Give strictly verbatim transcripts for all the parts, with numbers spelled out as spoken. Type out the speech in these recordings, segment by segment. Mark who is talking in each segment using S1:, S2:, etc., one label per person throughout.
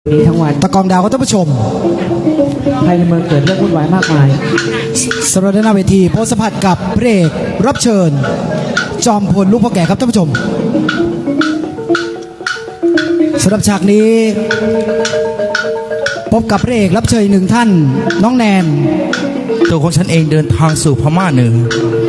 S1: นี้ทั้งวัน
S2: ตะกองดาวก็ท่านผู้ชม
S1: ภายในเมืองเกิดเรื่องวุ่นวายมากมาย
S2: สำหรับด้านหน้าเวทีโพสต์สัมผัสกับพระเอกรับเชิญจอมพลลูกพ่อแก่ครับท่านผู้ชมสำหรับฉากนี้พบกับพระเอกรับเชิญหนึ่งท่านน้องแนน
S3: ตัวของฉันเองเดินทางสู่พม่าเหนือ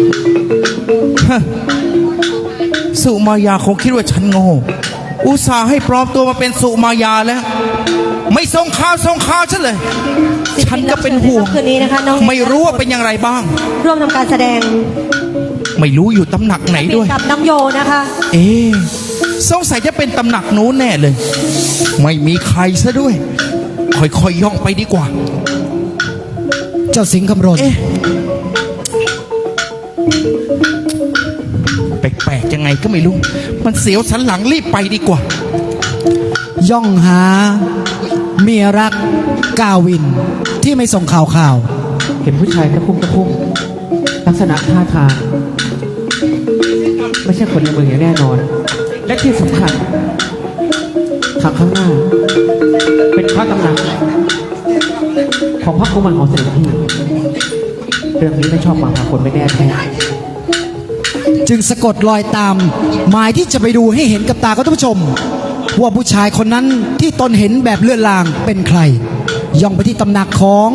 S3: สุมายาคงคิดว่าฉันโง่อุตส่าห์ให้ปลอมตัวมาเป็นสุมายาแล้วไม่ส่งข่าวส่งข่าวฉันเลยฉันก็เป็นห่วง
S4: คืนนี้นะคะน้อง
S3: ไม่รู้ว่าเป็นอย่างไรบ้าง
S4: ร่วมทำการแสดง
S3: ไม่รู้อยู่ตำหนักไหนด้วย
S4: กับน้องโยนะคะ
S3: เอ๊ะสงสัยจะเป็นตำหนักนู้นแน่เลยไม่มีใครซะด้วยค่อยๆย่องไปดีกว่า
S2: เจ้าสิงห์คำรณ
S3: เอ๊ะแปลกๆยังไงก็ไม่รู้มันเสียวสันหลังรีบไปดีกว่า
S2: ย่องหาเมียรักกาวินที่ไม่ส่งข่าวข่าว
S1: เห็นผู้ชายตะคุ่มตะคุ่มลักษณะท่าทางไม่ใช่คนในเมืองอย่างแน่นอนและที่สำคัญทางข้างหน้าเป็นพระตำหนักของพระกุมารของเสด็จพี่เรื่องนี้ไม่ชอบมาพากลไม่แน่แท้
S2: จึงสะกดรอยตามหมายที่จะไปดูให้เห็นกับตาท่านผู้ชมว่าผู้ชายคนนั้นที่ตนเห็นแบบเลื่อนลางเป็นใครย่องไปที่ตำหนักของ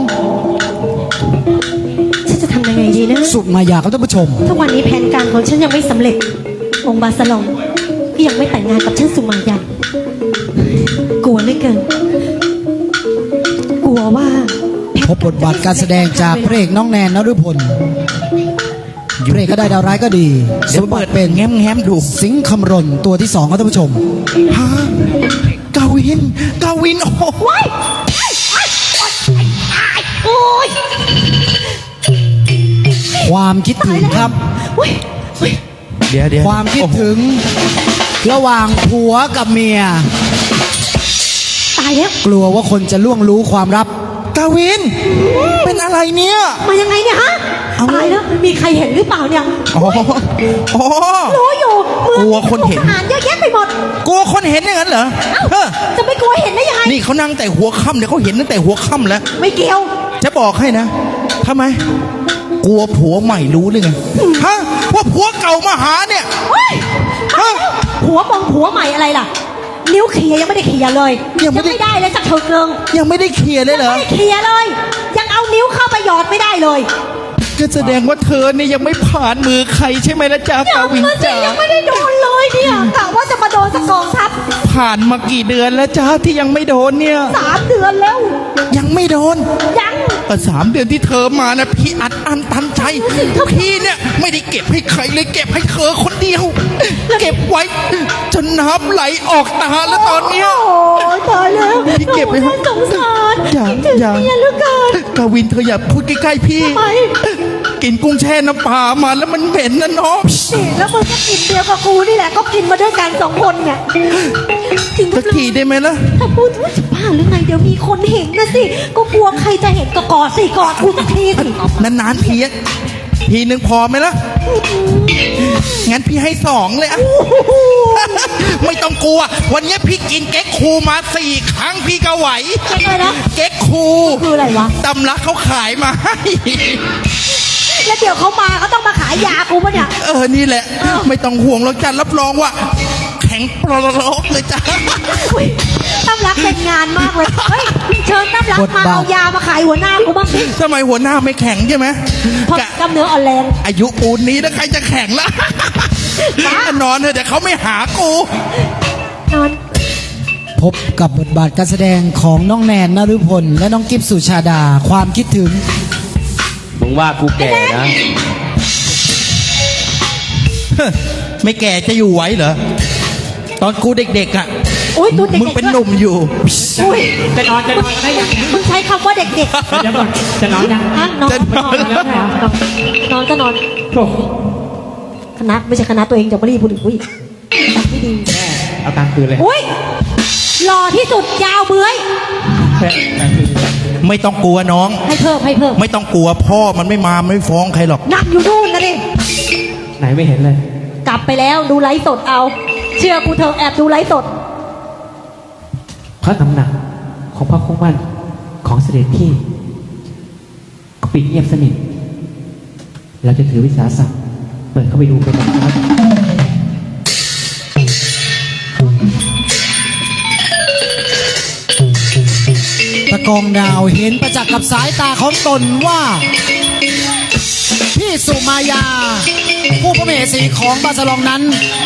S4: ฉันจะทำยังไงดีนะ
S2: สุมายาครับท่านผู้ชม
S4: ทุกวันนี้แผนการของฉันยังไม่สำเร็จองค์บาสลองก็ยังไม่แต่งงานกับฉันสุมายากลัวเหลือเกินกลัวว่า
S2: พบบทบาทการแสดงจากพระเอกน้องแนนนฤพลพระเอกก็ได้ดาวร้ายก็ดีสมบัติเป็น
S3: แง้มแง้มดู
S2: สิงห์คำรณตัวที่สองครับท่านผู้ชม
S3: ฮะกาวินกาวินโอ้
S4: ยโอ้ย
S2: ความคิดถึงครับ
S3: เดี๋ยวเดี๋ยว
S2: ความคิดถึงระหว่างผัวกับเมีย
S4: ตายแล้ว
S2: กลัวว่าคนจะล่วงรู้ความลับ
S3: กาวินเป็นอะไรเนี่ย
S4: มายังไงเนี่ยฮะตายแล้วมีใครเห็นหรือเปล่าเนี่ย
S3: อ๋ออ๋อ
S4: รู้อยู่
S3: กลัวคนเห็น
S4: ทหารเยอะแยะไปหมด
S3: กลัวคนเห็นอย่างนั้นเหรอ
S4: จะไม่กลัวเห็นได้ยังไง
S3: นี่เขานั่งแต่หัวค่ำเนี่ยเขาเห็นตั้งแต่หัวค่ำแล้ว
S4: ไม่เกี่ยว
S3: จะบอกให้นะทำไมกลัวผัวใหม่รู้หรือไงฮะว่าผัวเก่ามาหาเนี่ย
S4: ฮะผัวมองผัวใหม่อะไรล่ะนิ้วเขียยังไม่ได้เขียเลยยังไม่ได้เลยสักเถิดเกิง
S3: ยังไม่ได้เขียเลยเหรอ
S4: ไม่ได้เขียเลยยังเอานิ้วเข้าไปหยอดไม่ได้เลย
S3: ก็แสดงว่าเธอเนี่ยยังไม่ผ่านมือใครใช่ไหมล่ะจ๊ะกาวิน
S4: จ๋ายังไม่ได้โดนเลยเนี่ยกะว่าจะมาโดนสักกองทัพ
S3: ผ่านมากี่เดือนแล้วจ๊ะที่ยังไม่โดนเนี่ย
S4: สามเดือนแล้ว
S3: ยังไม่โดน
S4: ยัง
S3: แต่สามเดือนที่เธอมานะพี่อัดอั้นตันใจพี่เนี่ยไม่ได้เก็บให้ใครเลยเก็บให้เธอคนเดียวเก็บไว้จนน้ำไหลออกตาแล้วตอนเนี้ย
S4: โอ้ตายแล้ว
S3: พี่เก็บไว้
S4: ให้สงสาร
S3: อย่าอย่า
S4: ก
S3: าวินเธออย่าพูดใกล้ๆพี่กินกุ้งแช่น้ำปลามาแล้วมันเหม็นนะน้อง
S4: แล้วมึงก็กินเดียวกับกูนี่แหละก็กินมาด้วยกันสองคนเนี่ย
S3: สักทีได้ไหมล่ะ
S4: ถ้าพูดว่าจะบ้าหรือไงเดี๋ยวมีคนเห็นนะสิก็กลัวใครจะเห็นก็กอดสิกอดกูสักทีสิ
S3: นานๆทีทีหนึ่งพอไหมล่ะงั้นพี่ให้สองเลยอะไม่ต้องกลัววันนี้พี่กินเก๊กคูมาสี่ครั้งพี่ก็ไหวเก๊กคู
S4: คืออะไรวะ
S3: ตำลักเขาขายมาให้
S4: แล้วเดี๋ยวเขามาเขาต้องมาขายยากูปะเนี่ย
S3: เออนี่แหละไม่ต้องห่วงหรอกจ้ะรับรองว่าแข็งปลอกเลยจ้ะ
S4: ตั้มรักเป็นงานมากเลยเฮ้ยเชิญตั้มรักมาเอายามาขายหัวหน้ากูบ้างสิ
S3: ทำไมหัวหน้าไม่แข็งใช่ไหม
S4: กำเนื้ออ่อนแรง
S3: อายุปูนนี้แล้วใครจะแข็งล่ะนอนเถอะแต่เขาไม่หากู
S4: นอน
S2: พบกับบทบาทการแสดงของน้องแนนนฤพลและน้องกิฟสุชาดาความคิดถึง
S5: มึงว่ากูแก่นะ
S3: ไม่แก่จะอยู่ไหวเหรอตอนกูเด็กๆอ่ะมึงเป็นหนุ่มอยู่
S1: จะนอนจะนอนได้ยัง
S4: มึงใช้คำว่าเด็ก
S1: ๆจะนอนจะนอนยัง
S4: นอนนอนแล้วนอนก็นอนคณะไม่ใช่คณะตัวเองจะไม่รีบพูดอีกอุ้ยไม่ดี
S1: เอาตามคืนเลย
S4: อุ้ยหล่อที่สุดยาวเบื้อย
S3: ไม่ต้องกลัวน้อง
S4: ให้เพิ่มให้เพิ่ม
S3: ไม่ต้องกลัวพ่อมันไม่มาไม่ฟ้องใครหรอก
S4: นั่งอยู่นู่นนะดิ
S1: ไหนไม่เห็นเลย
S4: กลับไปแล้วดูไลฟ์สดเอาเชื่อกูเถอะแอบดูไลฟ์สด
S1: พระตำหนักของพระคู่มั่นของเสด็จพี่ก็ปิดเงียบสนิทเราจะถือวิสาสะเปิดเข้าไปดูเป็นแบบนั้น
S2: ตะกองดาวเห็นประจักษ์กับสายตาของตนว่า พี่สุมายา ผู้พระมเหสีของบาสลองนั้น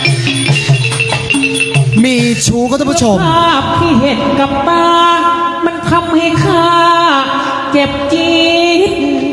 S2: มีชู้ก็ท่านผู้ชม
S1: ภาพที่เห็นกับตา มันทำให้ข้าเจ็บจี๊ด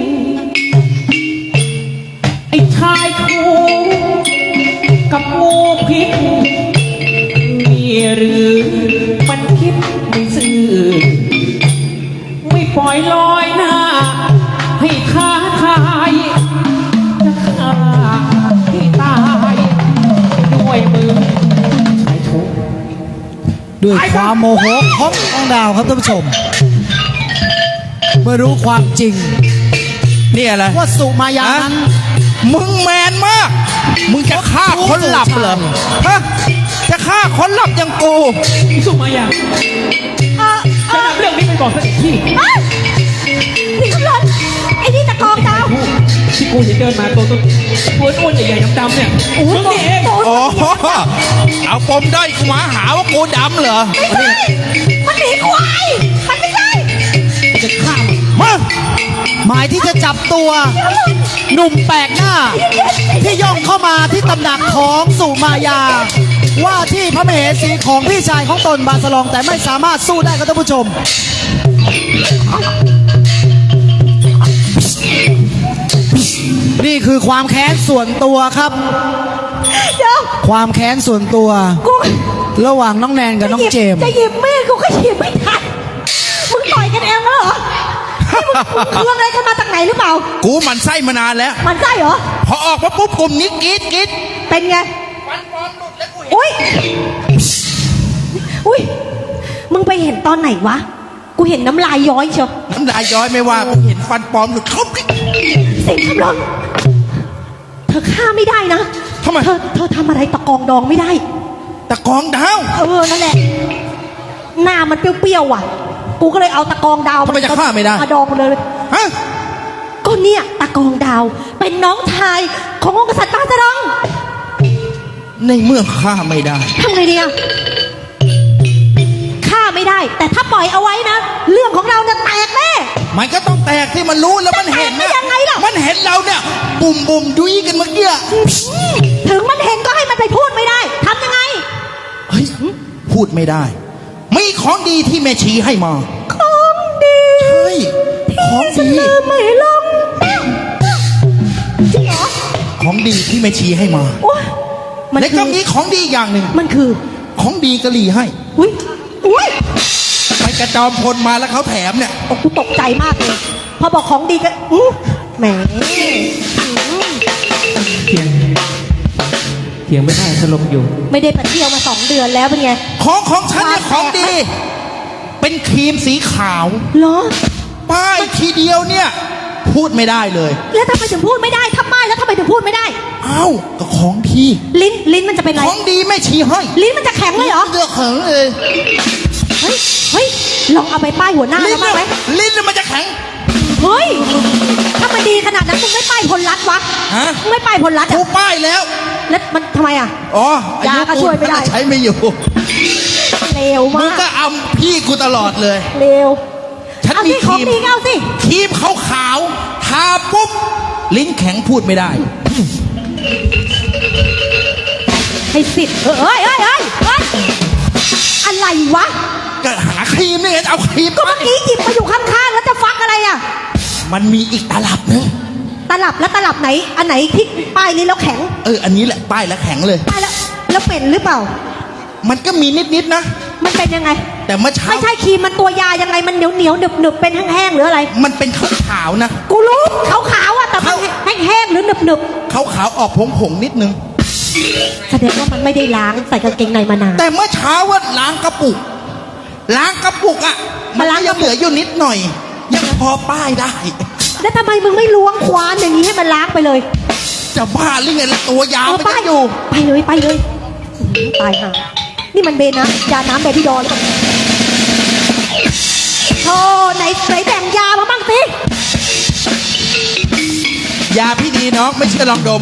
S1: ไอ้ชายคู่กับงูพิษมีหรือมันคิดไม่ซื่อไม่ปล่อยลอยหน้า ให้ท้าทายจะฆ่าที่ตายด้วยมือชายชู้
S2: ด้วยความโมโหของตะกองดาวครับท่านผู้ชม เมื่อรู้ความจริง
S3: นี่อะไร
S2: ว่าสุมายานั้น
S3: มึงแมนมาก มึงจะฆ่าคนหลับเหรอ ฮะ จะฆ่าคนหลับอย่างกู
S1: สุมายาจะนำเรื่องนี้ไปบอกเสด็จพี่
S4: นี่คำรณไอ้นี่ตะกองดาว
S1: ที่กูเห็นเดินมาตัวตัวตัวอ้วนใหญ่ๆดำๆเนี่ยมึงนี่เอง
S3: อ๋อ เอาปมด้อยกูมาหาว่ากูดำเหรอ
S4: ไม่ใช่มันหนีควายมันไม่ใช่
S1: จะฆ่ามึง
S3: มา
S2: หมายที่จะจับตัว หนุ่มแปลกหน้า ที่ย่องเข้ามาที่ตำหนักของสุมายา ว่าที่พระมเหสีของพี่ชายของตนบาสลองแต่ไม่สามารถสู้ได้ครับท่านผู้ชม นี่คือความแค้นส่วนตัวครับ
S4: เดี๋ยว
S2: ความแค้นส่วนตัว
S4: กู
S2: ระหว่างน้องแนนกับน้องเจมส์
S4: จะหยิบมีดกูก็หยิบไม่ทันมึงต่อยกันเองแล้วเหรอนี่มึงมึงเครื่องอะไรกันมาจากไหนหรือเปล่า
S3: กูหมันไส้มานานแล้ว
S4: มันใช่เหรอ
S3: พอออกมาปุ๊บกลุ่มนี้กรีดกรีด
S4: เป็นไง
S3: ฟันปลอมหลุดแล้วกูเห็น
S4: อุ้ย อุ้ย มึงไปเห็นตอนไหนวะ กูเห็นน้ำลายย้อยเชียว
S3: น้ำลายย้อยไม่ว่า กูเห็นฟันปลอมหลุดเขา
S4: เสียงคำร้องเธอฆ่าไม่ได้นะ
S3: ทำไม
S4: เธอเธอทำอะไรตะกองดองไม่ได้
S3: ตะกองดาว
S4: เออ นั่นแหละ หน้ามันเปรี้ยวๆว่ะ กูก็เลยเอาตะกองดาว
S3: ทำไมจะฆ่าไม่ได้
S4: มาดองมันเลย
S3: ฮะ
S4: ก็เนี่ยตะกองดาว เป็นน้องชายขององค์กษัตริย์บาสะดอง
S3: ในเมื่อฆ่าไม่ได้
S4: ทำไงดีอะฆ่าไม่ได้ แต่ถ้าปล่อยเอาไว้นะ เรื่องของเราจะแตกแน่
S3: มันก็ต้องแตกที่มันรู้แล้วมันเห็น
S4: จะแตกได้ยังไงล่ะ
S3: มันเห็นเราเนี่ย บุ่มบุ่มดุยกันเมื่อกี้
S4: ถึงมันเห็นก็ให้มันไปพูดไม่ได้ทำยังไง
S3: เฮ้ย พูดไม่ได้ มีของดีที่แม่ชีให้มา
S4: ของดี
S3: ใช่ของดี
S4: ลืมไม่ลงจริงเหรอ
S3: ของดีที่แม่ชีให้มา
S4: โอ๊ยมัน
S3: และ
S4: คื
S3: ก็
S4: อ
S3: มีของดีอย่างหนึ่ง
S4: มันคือ
S3: ของดีกะหรี่ให้
S4: อุ้ยอุ้ย
S3: ไปกระจอมพลมาแล้วเขาแถมเนี่ย
S4: โอ้กูตกใจมากเลย พอบอกของดีก็อื้อแหมอืม
S1: เถียงเถียงไม่ได้สลบอยู่
S4: ไม่ได้ไปเที่ยวมาสองเดือนแล้วเป็นไง
S3: ของของฉันเนี่ยของดี เป็นครีมสีขาว
S4: เหรอ
S3: ป้ายทีเดียวเนี่ย พูดไม่ได้เลย
S4: แล้วทำไมถึงพูดไม่ได้ทำไมแล้วทำไมถึงพูดไม่ได้
S3: เอ้าก็ของดี
S4: ลิ้นลิ้นมันจะเป็นไร
S3: ของดีแม่ชีให้
S4: ลิ้นมันจะแข็งเลยเหรอ
S3: เลือกเขิงเลย
S4: เฮ้ย เฮ้ย ลองเอาไปป้ายหัวหน้า
S3: ลิ้
S4: แล้
S3: น
S4: วบ้างไหม
S3: เนี่ยลิ้นเนี่ยมันจะแข็ง
S4: เฮ้ย ถ้ามันดีขนาดนั้นมึงไม่ป้ายพลรัตน์วะ
S3: ฮะ
S4: มึงไม่ป้ายพลรัตน์
S3: กู
S4: อ่ะ
S3: ป้ายแล้ว
S4: แล้วมันทำไมอ่ะ
S3: อ๋ออาย
S4: าก็ช่วยไม่ได้
S3: ใช้ไม่อยู่
S4: เร็ว
S3: มึ
S4: มาง ก
S3: ก็อำพี่กูตลอดเลย
S4: เร็ว
S3: ฉัน
S4: เอา
S3: มี
S4: สิ
S3: ค
S4: ขอ
S3: รี
S4: ง
S3: ม
S4: ดีก็เอาสิ
S3: ครีมขาวขาวๆทาปุ๊บ ลิ้นแข็งพูดไม่ได้
S4: ให้สิทธิ์เฮ้ยเฮ้ยเฮ้ยเฮ้ยอะไรวะ
S3: ก็หาครีมนี่ไงเอาครีม
S4: ก็เมื่อกี้หยิบมาอยู่ข้างๆ แล้วจะฟักอะไรอ่ะ
S3: มันมีอีกตลับนึง
S4: ตลับแล้วตลับไหน อันไหนที่ป้ายนี้แล้วแข็ง
S3: เออ อันนี้แหละป้ายแล้วแข็งเลย
S4: ป้ายแล้ว แล้วเป็นหรือเปล่า
S3: มันก็มีนิดๆนะ
S4: มันเป็นยังไง
S3: แต่เมื่อเช้า
S4: ไม่ใช่ครีมมันตัวยายังไง มันเหนียวเหนียวหนึบหนึบเป็นแห้งๆหรืออะไร
S3: มันเป็นขาวขาวๆนะ
S4: กูรู้ขาวๆอ่ะแต่มัน
S3: เขา
S4: แห้งๆหรือหนึบหนึบ
S3: ขาวขาวๆออกผงผงๆนิดนึง
S4: แสดงว่ามันไม่ได้ล้างใส่กางเกงในมานาน
S3: แต่เมื่อเช้าว่าล้างกระปุก ล้างกระปุกอ่ะ มัน
S4: มาล้าง
S3: ก็
S4: ก ระปุก
S3: ยังเหลืออยู่นิดหน่อย ยังพอป้ายได้
S4: แล้วทำไมมึงไม่ล้วงควานอย่างนี้ให้มันล้างไปเลย
S3: จะบ้าหรือไงล่ะตัวยาว
S4: เออ
S3: ไม่
S4: ไป
S3: ได้อยู่
S4: ไปเลยไปเลยอื้อหือตายห่านี่มันเบนนะยาน้ำเบบี้ดอลหรือเปล่า
S3: ยาพี่ดีน้องไม่เชื่อลองดม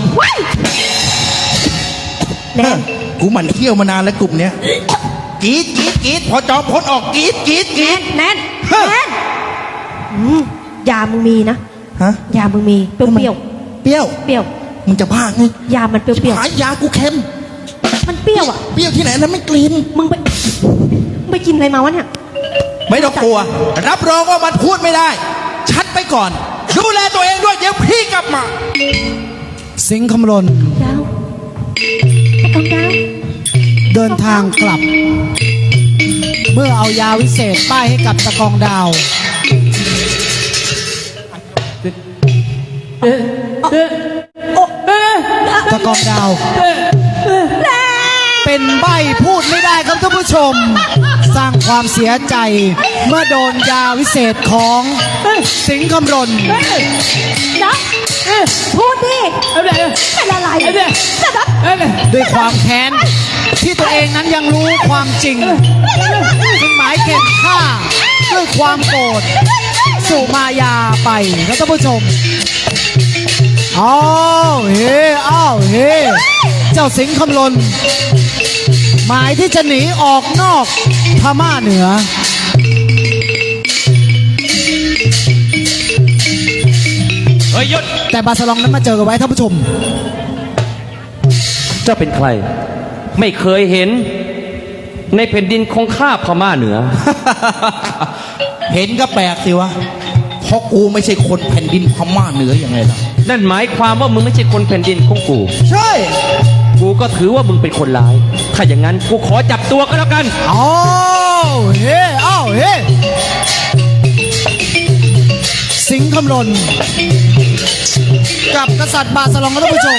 S4: แน่
S3: กูหมั่นเที่ยวมานานแล้วกลุ่มเนี้ยกรีดกรีดกรีดพอจอมพ้นออกกรีดกรีดกรี
S4: แน่
S3: ด
S4: นแน่นแน่นอืมยามึงมีนะ
S3: ฮะ
S4: ยามึงมีเปรี้ยวเปรี้ยว
S3: เปรี้ยว
S4: เปรี้ยว
S3: มึงจะบ้าไง
S4: ยามันเปรี้ยวเปรี้ยว
S3: หายยากูเค็ม
S4: มันเปรี้ยวอ่ะ
S3: เปรี้ยวที่ไหนแล้วไม่กลิ่น
S4: มึงไปมึงไปกินอะไรมาวะเนี่ย
S3: ไม่ต้องกลัว รับรองว่ามันพูดไม่ได้ ชัดไปก่อน ดูแลตัวเองด้วยเดี๋ยวพี่กลับมา
S2: สิงห์คำรณ
S4: ดาวตะกองดาว
S2: เดินทางกลับ เมื่อเอายาวิเศษป้ายให้กับตะกองดาว ตะกองดาว เป็นใบพูดไม่ได้ครับท่านผู้ชม สร้างความเสียใจเมื่อโดนยาวิเศษของสิงห์คำรณ
S4: นะพูดดิเป็นอะไรจะรับ
S2: ด้วยความแค้นที่ตัวเองนั้นยังรู้ความจริงจึงหมายเข็นฆ่าด้วยความโกรธสุมายาไปครับท่านผู้ชมอ้าวเฮ้อ้าวเฮ้เจ้าสิงห์คำรณหมายที่จะหนีออกนอกพม่าเหนือ
S5: เฮ้ยหยุด
S2: แต่บาสลองนั้นมาเจอกันไว้ท่านผู้ชม
S5: เจ้าเป็นใคร ไม่เคยเห็น ในแผ่นดินของข้าพม่าเหนือ
S3: เห็นก็แปลกสิวะ เพราะกูไม่ใช่คนแผ่นดินพม่าเหนือยังไงล่ะ
S5: นั่นหมายความว่ามึงไม่ใช่คนแผ่นดินของกู
S3: ใช่
S5: กูก็ถือว่ามึงเป็นคนร้าย ถ้าอย่างนั้นกูขอจับตัวก็แล้วกัน
S2: อ้าวเฮ้อ้าวเฮ้สิงห์คำรณกับกษัตริย์บาสลองครับท่านผู้ชม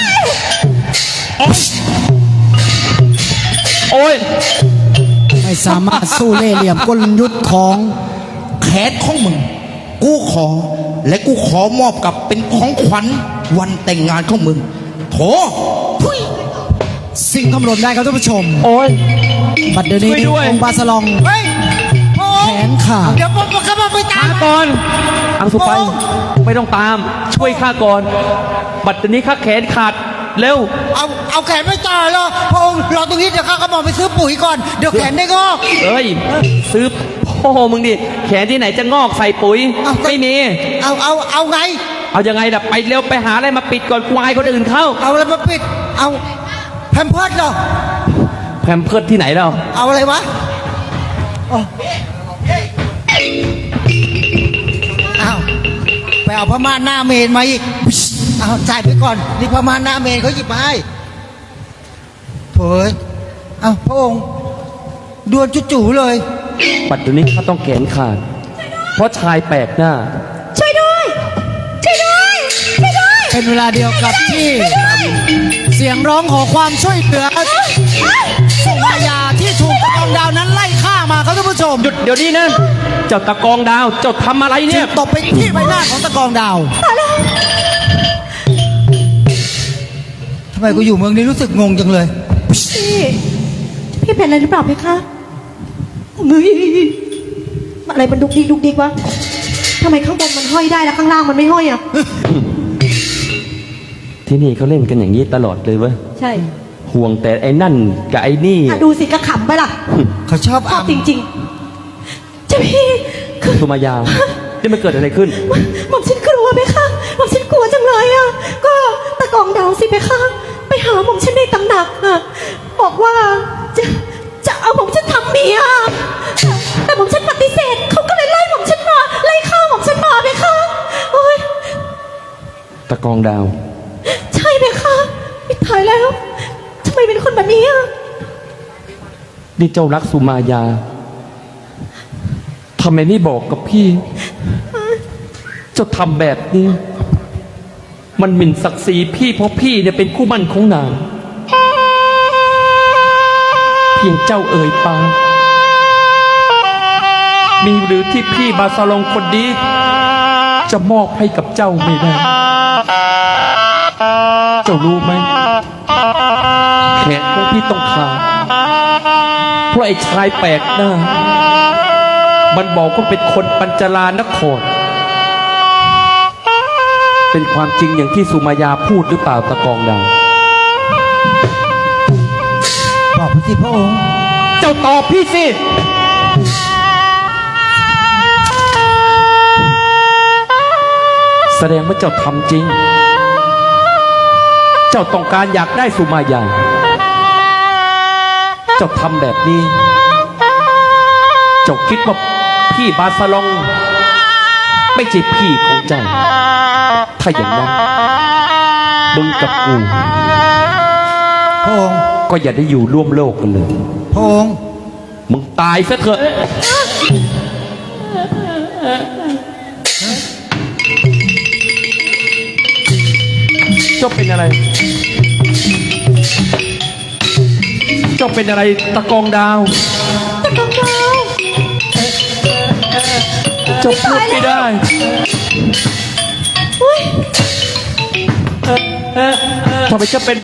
S5: โอ้ย
S2: ไม่สามารถสู้เล่ห์เหลี่ยมกลยุทธ์ของ
S3: แขนของมึง กูขอ และกูขอมอบกับเป็นของขวัญวันแต่งงานของมึงโถทุย
S2: สิงห์คำรณได้ครับท่านผู้ชม
S5: โอ้ย
S2: บัดเดี๋ยวนี้
S5: ช่วยด้วย
S2: องค์บาสลอง
S3: เฮ้ยโอ้
S2: แขนขาด
S3: เดี๋ยวผมกำลังไปตา
S5: ช้าม ก่อนอังสุไป ไม่ต้องตาม ช่วยข้าก่อน บัดนี้ข้าแขนขาด เร็ว
S6: เอาเอาแขนไม่ต่อหรอกพระองค์รอตรงนี้เดี๋ยวข้าก็บอกไปซื้อปุ๋ยก่อน เดี๋ยวแขนได้งอก
S5: เอ้ย ซื้อพ่อมึงดิ แขนที่ไหนจะงอกใส่ปุ๋ย
S6: เอาก็
S5: ไม่มี
S6: เอาเอาเอาไง
S5: เอายังไงล่ะ ไปเร็วไปหาอะไรมาปิดก่อนกูอายคนอื่นเข้า
S6: เอาอะไรมาปิด เอาแพมเพิร์ดเหรอ
S5: แพมเพิร์สที่ไหนเรา
S6: เอาอะไรวะอ๋ออ้าวไปเอาพม่านหน้าเมนมาอีกเอาจ่ายไปก่อนนี่พม่านหน้าเมนเขาหยิบมาให้โถ่เอ้ยเอาพระองค์ดวนจู่ๆเลย
S5: ปัจจุบันนี้ข้าต้องแขนขาด เพราะชายแปลกหน้า
S4: ช่วยด้วย ช่วยด้วย ช่วยด้วย
S2: เป็นเวลาเดียวกับที่เสียงร้องขอความช่วยเหลือสุมายาที่ถูกตะกองดาวนั้นไล่ฆ่ามาครับท่านผู้ชม
S5: หยุดเดี๋ยวนี้นะ เจ้าตะกองดาว เจ้าทำอะไรเนี่ย
S2: ตบไปที่ใบหน้าของตะกองดาว
S6: ทำไมกูอยู่เมืองนี้รู้สึกงงจังเลย
S4: พี่ พี่เป็นอะไรหรือเปล่าเพคะเฮ้ยอะไรมันดุกดิกดุกดิกวะทำไมข้างบนมันห้อยได้แล้วข้างล่างมันไม่ห้อยอ่ะ
S5: ที่นี่เขาเล่นกันอย่างนี้ตลอดเลยเว้ย
S4: ใช่
S5: ห่วงแต่ไอ้นั่นกับไอ้นี่
S4: อ่ะดูสิกระขำไปล่ะ
S6: เขาชอบ
S4: ชอ
S6: อ่
S4: บจริงๆเจ้าพี่คือ
S5: สุมายานี่มันเกิดอะไรขึ้น
S4: หม่อมฉันกลัวไหมคะหม่อมฉันกลัวจังเลยอ่ะ ก็ตะกองดาวสิไหมคะ ไปหาหม่อมฉันในตำหนักอ่ะ บอกว่าจะจะเอาหม่อมฉันทำเมียแต่หม่อมฉันปฏิเสธเขาก็เลยไล่หม่อมฉันมาไล่ฆ่าหม่อมฉันมาไหมคะโอ้ย
S5: ตะกองดาว
S4: ใช่ไหมคะไม่ตายแล้วทำไมเป็นคนแบบนี้อ่ะ
S5: นี่เจ้ารักสุมายาทำไมไม่บอกกับพี่ เจ้าทำแบบนี้ มันหมิ่นศักดิ์ศรีพี่เพราะพี่เนี่ยเป็นคู่มั่นของนาง เพียงเจ้าเอ่ยปากมีหรือที่พี่บาสลองคนนี้จะมอบให้กับเจ้าไม่ได้ เจ้ารู้ไหมแขนของพี่ต้องขาดเพราะไอ้ชายแปลกหน้า มันบอกว่าเป็นคนปัญจลานครเป็นความจริงอย่างที่สุมายาพูดหรือเปล่าตะกองดาว
S6: บอกพี่สิพระองค์
S5: เจ้าตอบพี่สิ แสดงว่าเจ้าทำจริง เจ้าต้องการอยากได้สุมายา เจ้าทำแบบนี้ เจ้าคิดว่าพี่บาสลอง ไม่ใช่พี่ของเจ้า ถ้าอย่างนั้นมึงกับกู
S6: พระองค์
S5: ก็อย่าได้อยู่ร่วมโลกกันเลย
S6: พระองค์
S5: มึงตายซะเถอะ เจ้าเป็นอะไร เจ้าเป็นอะไรตะกองดาว
S4: ตะกองดาว
S5: เจ้าพูดไม่ได้
S4: อุ้ย
S5: ทำไมเจ้าเป็น